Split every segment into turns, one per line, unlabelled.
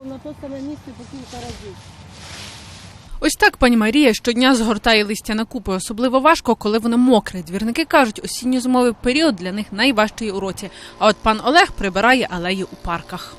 На то саме місце по кілька разів.
Ось так пані Марія щодня згортає листя на купи. Особливо важко, коли воно мокре. Двірники кажуть, осінньо-зимовий період для них найважчий у році. А от пан Олег прибирає алеї у парках.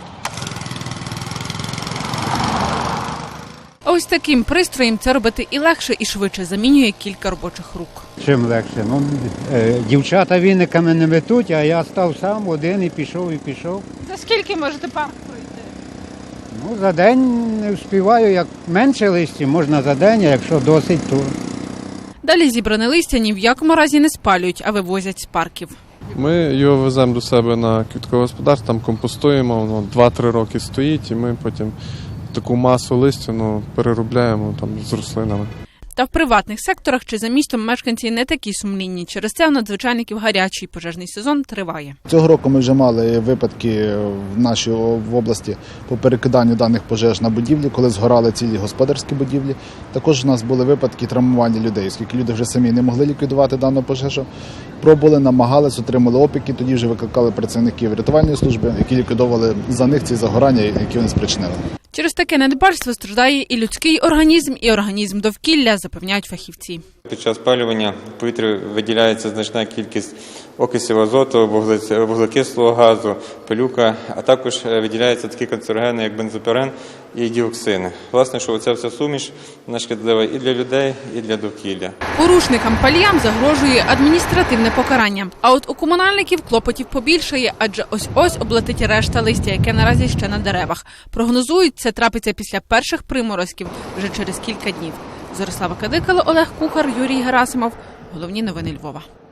А ось таким пристроєм це робити і легше, і швидше. Замінює кілька робочих рук.
Чим легше? Дівчата віниками не метуть, а я став сам один і пішов.
За скільки можете парк пройти?
За день не встигаю, як менше листя, можна за день, а якщо досить, то...
Далі зібране листя ні в якому разі не спалюють, а вивозять з парків.
Ми його веземо до себе на квіткове господарство, там компостуємо, воно 2-3 роки стоїть, і ми потім таку масу листя переробляємо там з рослинами.
Та в приватних секторах чи за містом мешканці не такі сумлінні. Через це у надзвичайників гарячий пожежний сезон триває.
Цього року ми вже мали випадки в нашій області по перекиданню даних пожеж на будівлі, коли згорали цілі господарські будівлі. Також у нас були випадки травмування людей, оскільки люди вже самі не могли ліквідувати дану пожежу. Пробували, намагались, отримали опіки, тоді вже викликали працівників рятувальної служби, які ліквідовували за них ці загорання, які вони спричинили.
Через таке недбальство страждає і людський організм, і організм довкілля, запевняють фахівці.
Під час спалювання в повітрі виділяється значна кількість окисів азоту, вуглекислого газу, пилюка, а також виділяються такі канцерогени, як бензопірен і діоксини. Власне, що оця вся суміш вона шкідлива і для людей, і для довкілля.
Порушникам-паліям загрожує адміністративне покарання. А от у комунальників клопотів побільшає, адже ось-ось облетить решта листя, яке наразі ще на деревах. Прогнозують, це трапиться після перших приморозків вже через кілька днів. Зорислава Кадикало, Олег Кухар, Юрій Герасимов. Головні новини Львова.